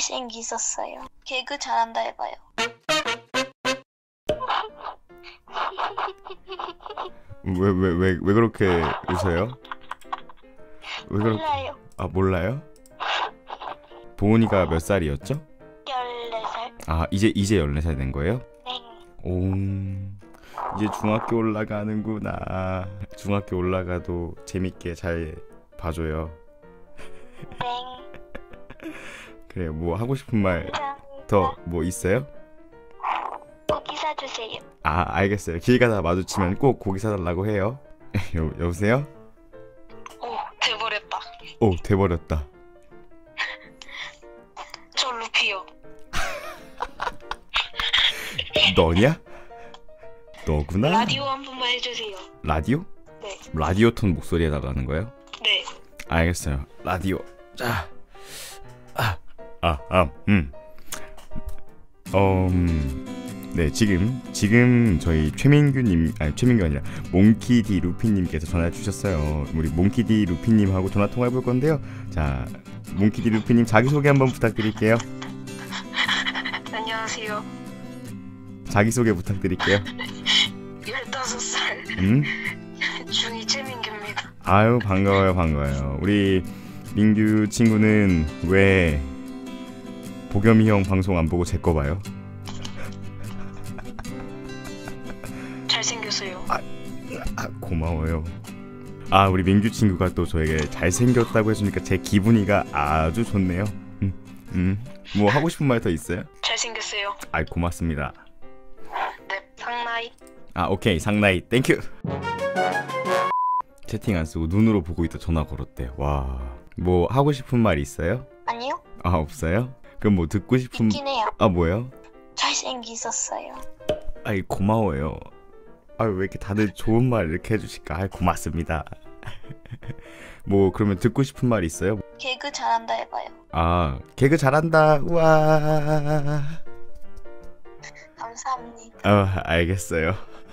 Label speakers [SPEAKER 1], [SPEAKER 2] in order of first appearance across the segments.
[SPEAKER 1] 잘생기셨어요. 개그 잘한다 해봐요.
[SPEAKER 2] 왜 그렇게 웃어요? 왜 그렇게?
[SPEAKER 1] 몰라요.
[SPEAKER 2] 아, 몰라요? 보은이가 몇 살이었죠?
[SPEAKER 1] 14살.
[SPEAKER 2] 아, 이제 14살 된 거예요?
[SPEAKER 1] 네.
[SPEAKER 2] 오, 이제 중학교 올라가는구나. 중학교 올라가도 재밌게 잘 봐줘요.
[SPEAKER 1] 네.
[SPEAKER 2] 그래요. 뭐 하고 싶은 말 더 뭐 있어요?
[SPEAKER 1] 고기 사주세요.
[SPEAKER 2] 아, 알겠어요. 길 가다 마주치면 꼭 고기 사달라고 해요. 여보세요?
[SPEAKER 1] 오, 돼버렸다.
[SPEAKER 2] 오, 돼버렸다.
[SPEAKER 1] 저 루피요.
[SPEAKER 2] 너냐? 너구나?
[SPEAKER 1] 라디오 한 번만 해주세요.
[SPEAKER 2] 라디오?
[SPEAKER 1] 네.
[SPEAKER 2] 라디오 톤 목소리 해달라는 거예요?
[SPEAKER 1] 네.
[SPEAKER 2] 알겠어요. 라디오. 자. 네, 지금 저희 최민규님, 아니 최민규 아니라 몽키디 루피님께서 전화 주셨어요. 우리 몽키디 루피님하고 전화 통화해 볼 건데요. 자, 몽키디 루피님 자기 소개 한번 부탁드릴게요.
[SPEAKER 1] 안녕하세요.
[SPEAKER 2] 자기 소개 부탁드릴게요.
[SPEAKER 1] 15살 중2 최민규입니다.
[SPEAKER 2] 아유, 반가워요. 우리 민규 친구는 왜 보겸이 형 방송 안 보고 제 거 봐요?
[SPEAKER 1] 잘생겼어요.
[SPEAKER 2] 고마워요. 아, 우리 민규 친구가 또 저에게 잘생겼다고 해주니까 제 기분이가 아주 좋네요. 뭐 하고 싶은 말 더 있어요?
[SPEAKER 1] 잘생겼어요.
[SPEAKER 2] 아, 고맙습니다.
[SPEAKER 1] 네, 상나이.
[SPEAKER 2] 아, 오케이, 상나이 땡큐. 채팅 안 쓰고 눈으로 보고 있다 전화 걸었대. 와, 뭐 하고 싶은 말 있어요?
[SPEAKER 1] 아니요?
[SPEAKER 2] 아, 없어요? 그럼 뭐 듣고 싶은...
[SPEAKER 1] 있긴 해요.
[SPEAKER 2] 아, 뭐요?
[SPEAKER 1] 잘생기셨어요.
[SPEAKER 2] 아이, 고마워요. 아, 왜 이렇게 다들 좋은 말 이렇게 해주실까? 아, 고맙습니다. 뭐 그러면 듣고 싶은 말 있어요?
[SPEAKER 1] 개그 잘한다 해봐요.
[SPEAKER 2] 아, 개그 잘한다. 우와.
[SPEAKER 1] 감사합니다.
[SPEAKER 2] 알겠어요.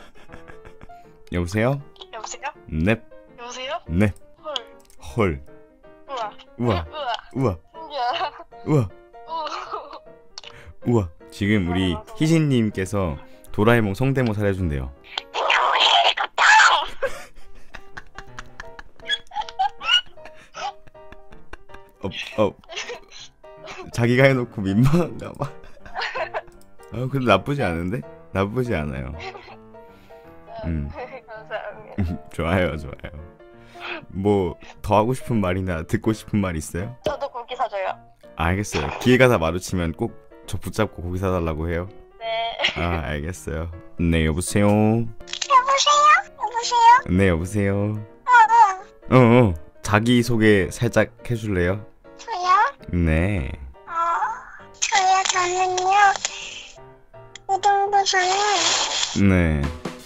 [SPEAKER 2] 여보세요?
[SPEAKER 1] 여보세요?
[SPEAKER 2] 넵.
[SPEAKER 1] 여보세요?
[SPEAKER 2] 네.
[SPEAKER 1] 헐.
[SPEAKER 2] 헐.
[SPEAKER 1] 우와.
[SPEAKER 2] 우와.
[SPEAKER 1] 신기하다.
[SPEAKER 2] 우와. 우와. 지금 우리 희진님께서 도라에몽 성대모사를 해준대요. 자기가 해놓고 민망한가 봐. 근데 나쁘지 않은데? 나쁘지 않아요.
[SPEAKER 1] 감사합니다.
[SPEAKER 2] 좋아요. 뭐 더 하고 싶은 말이나 듣고 싶은 말 있어요?
[SPEAKER 1] 저도 고기 사줘요.
[SPEAKER 2] 알겠어요. 길 가다 마주치면 꼭 저 붙잡고 고기 사달라고 해요.
[SPEAKER 1] 네.
[SPEAKER 2] 아, 알겠어요. 네, 여보세요?
[SPEAKER 1] 여보세요?
[SPEAKER 2] 네, 여보세요? 자기소개 살짝 해줄래요?
[SPEAKER 1] 저요?
[SPEAKER 2] 네.
[SPEAKER 1] 저는요. 우동부서는
[SPEAKER 2] 네.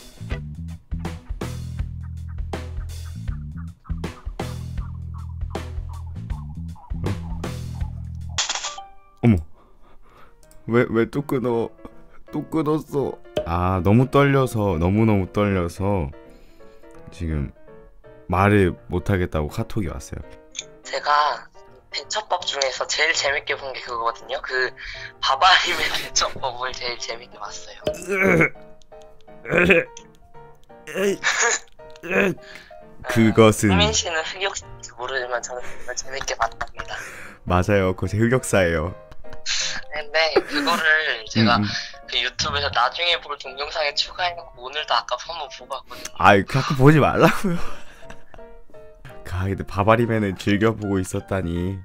[SPEAKER 2] 어머. 왜 또 끊어? 또 끊었어. 아, 너무 떨려서, 너무너무 떨려서 지금 말을 못하겠다고 카톡이 왔어요.
[SPEAKER 3] 제가 대처법 중에서 제일 재밌게 본 게 그거거든요. 그 바바림의 대처법을 제일 재밌게 봤어요.
[SPEAKER 2] 그것은
[SPEAKER 3] 수민 씨는 흑역사인지 모르지만 저는 정말 재밌게 봤답니다.
[SPEAKER 2] 맞아요. 그거 제 흑역사예요.
[SPEAKER 3] 근데 그거를 제가 그 유튜브에서 나중에 볼 동영상에 추가해놓고 오늘도 아까 한번 보고 왔거든요.
[SPEAKER 2] 아이, 자꾸 보지 말라고요. 근데 바바리맨을 즐겨보고 있었다니.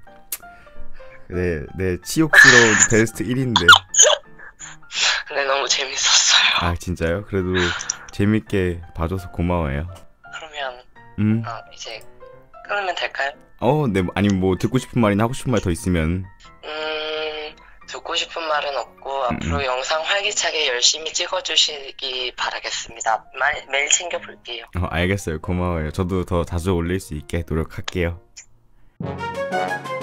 [SPEAKER 2] 내 치욕스러운 베스트 1인데.
[SPEAKER 3] 근데 너무 재밌었어요.
[SPEAKER 2] 아, 진짜요? 그래도 재밌게 봐줘서 고마워요.
[SPEAKER 3] 그러면 이제 끊으면 될까요?
[SPEAKER 2] 네. 아니면 뭐 듣고 싶은 말이나 하고 싶은 말 더 있으면.
[SPEAKER 3] 듣고 싶은 말은 없고 앞으로 영상 활기차게 열심히 찍어주시기 바라겠습니다. 매일 챙겨볼게요.
[SPEAKER 2] 알겠어요. 고마워요. 저도 더 자주 올릴 수 있게 노력할게요.